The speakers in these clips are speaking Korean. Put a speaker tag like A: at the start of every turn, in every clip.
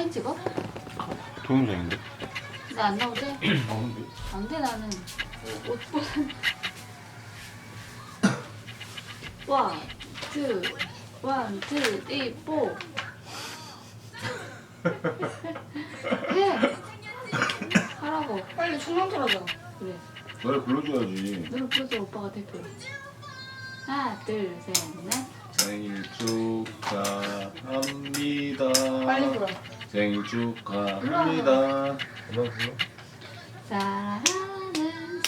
A: 사진 찍어?
B: 동영상인데?
A: 나 안 나오지?
B: 나오는데?
A: 안 돼 나는 옷 벗은 원, 투, 원, 투, 쓰리, 포 해! 하라고
C: 빨리 춤만 틀어줘.
A: 그래
B: 노래 불러줘야지.
A: 노래 불러줘 오빠가 대표 하나, 둘, 셋, 넷
B: 생일 축하합니다.
C: 빨리 불어.
B: 생일 축하합니다.
D: 음악 불러?
A: 사랑하는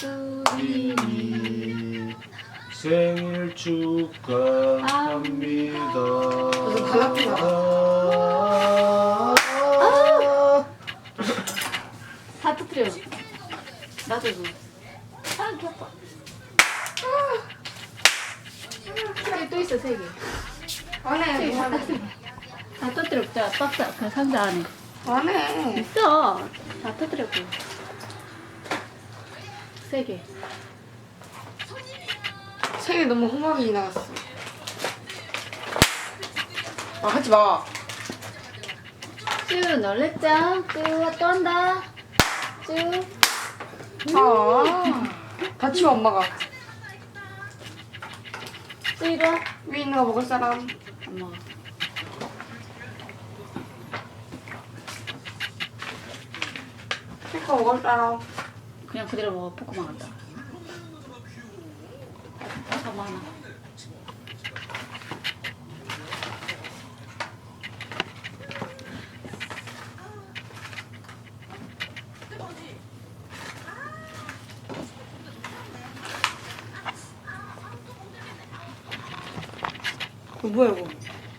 A: 소린이
B: 생일 축하합니다.
C: 무슨 발라드야?
A: 다 터뜨려 나도 그 귀엽다 또 있어 세 개.
C: 안 해. 뭐 하는
A: 다 터뜨려 자 박스 그 상자 안에
C: 안 해.
A: 있어 다 터뜨렸고 세 개.
C: 생일 너무 험하게 지나갔어. 아, 하지 마.
A: 쭈 놀랬죠? 쭈또 한다 쭈
C: 아. 다치워 엄마가.
A: 쭈 이리 와
C: 위에 있는 거 먹을 사람.
A: 엄마가
C: 피커 먹을 사람.
A: 그냥 그대로 먹어 포크만 갖다 잡아 하나
C: 이거 뭐야 이거?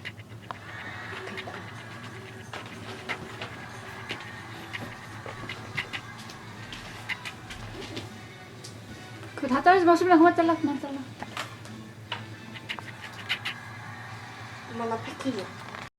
A: 그거 다 자르지 마 수빈아 그만 잘라 그만 잘라
C: 엄마 나 패키지.